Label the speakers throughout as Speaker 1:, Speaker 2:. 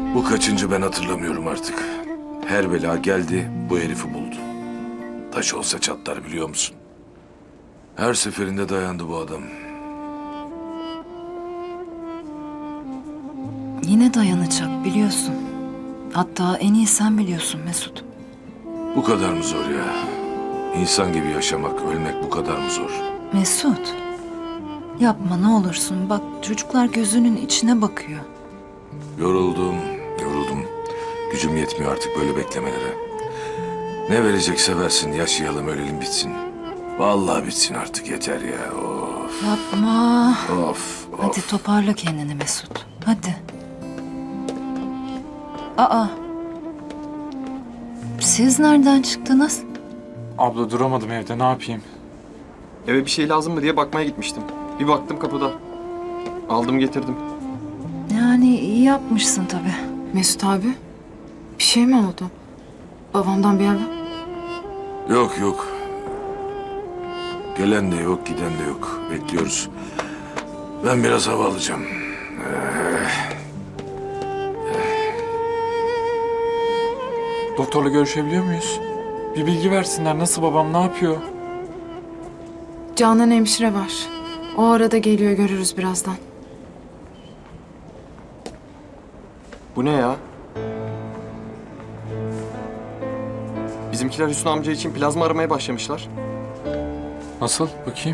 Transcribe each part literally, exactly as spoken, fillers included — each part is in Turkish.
Speaker 1: Bu kaçıncı ben hatırlamıyorum artık. Her bela geldi, bu herifi buldu. Taş olsa çatlar biliyor musun? Her seferinde dayandı bu adam.
Speaker 2: Yine dayanacak biliyorsun. Hatta en iyi sen biliyorsun Mesut.
Speaker 1: Bu kadar mı zor ya? İnsan gibi yaşamak, ölmek bu kadar mı zor?
Speaker 2: Mesut, yapma ne olursun. Bak çocuklar gözünün içine bakıyor.
Speaker 1: Yoruldum, yoruldum. Gücüm yetmiyor artık böyle beklemelere. Ne verecekse versin, yaşayalım, ölelim, bitsin. Vallahi bitsin artık, yeter ya. Of,
Speaker 2: Yapma.
Speaker 1: of, of.
Speaker 2: Hadi toparla kendini Mesut. Hadi. Aa. Siz nereden çıktınız?
Speaker 3: Abla duramadım evde, ne yapayım?
Speaker 4: Eve bir şey lazım mı diye bakmaya gitmiştim. Bir baktım kapıda. Aldım getirdim.
Speaker 2: Yani iyi yapmışsın tabii.
Speaker 5: Mesut abi, bir şey mi oldu? Babamdan bir haber?
Speaker 1: Yok yok. Gelen de yok, giden de yok. Bekliyoruz. Ben biraz hava alacağım.
Speaker 3: Doktorla görüşebiliyor muyuz? Bir bilgi versinler, nasıl babam, ne yapıyor?
Speaker 5: Canan hemşire var. O arada geliyor, görürüz birazdan.
Speaker 4: Bu ne ya? Bizimkiler Hüsnü amca için plazma aramaya başlamışlar.
Speaker 3: Nasıl? Bakayım.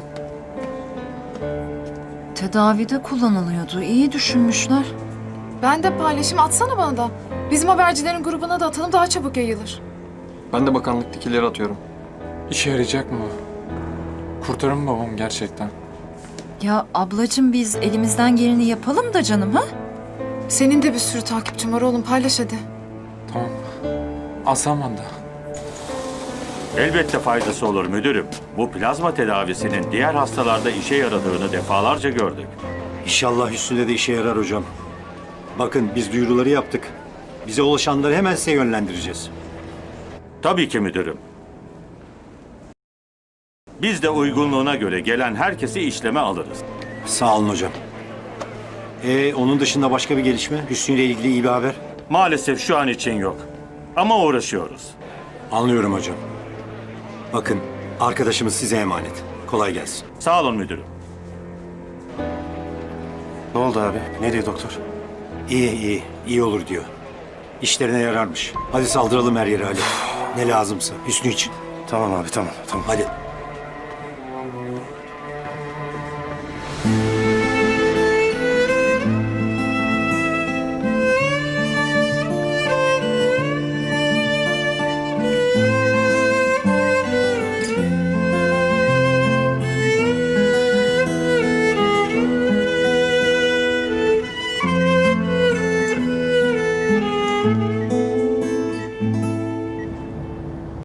Speaker 2: Tedavide kullanılıyordu. İyi düşünmüşler.
Speaker 5: Ben de paylaşım atsana bana da. Bizim habercilerin grubuna da atalım, daha çabuk yayılır.
Speaker 4: Ben de bakanlıktakileri atıyorum.
Speaker 3: İşe yarayacak mı? Kurtarır mı babam gerçekten?
Speaker 2: Ya ablacığım biz elimizden geleni yapalım da canım ha?
Speaker 5: Senin de bir sürü takipçin var oğlum, paylaş hadi.
Speaker 3: Tamam. Alsam ben de.
Speaker 6: Elbette faydası olur müdürüm. Bu plazma tedavisinin diğer hastalarda işe yaradığını defalarca gördük.
Speaker 7: İnşallah Hüsnü'de de işe yarar hocam. Bakın biz duyuruları yaptık. Bize ulaşanları hemen size yönlendireceğiz.
Speaker 6: Tabii ki müdürüm. Biz de uygunluğuna göre gelen herkesi işleme alırız.
Speaker 7: Sağ olun hocam. Ee, onun dışında başka bir gelişme? Hüsnü ile ilgili iyi bir haber?
Speaker 6: Maalesef şu an için yok. Ama uğraşıyoruz.
Speaker 7: Anlıyorum hocam. Bakın arkadaşımız size emanet. Kolay gelsin.
Speaker 6: Sağ olun müdürüm.
Speaker 7: Ne oldu abi? Ne diyor doktor? İyi iyi. iyi olur diyor. İşlerine yararmış. Hadi saldıralım her yere Ali. Ne lazımsa. Hüsnü için. Tamam abi tamam. tamam. Hadi.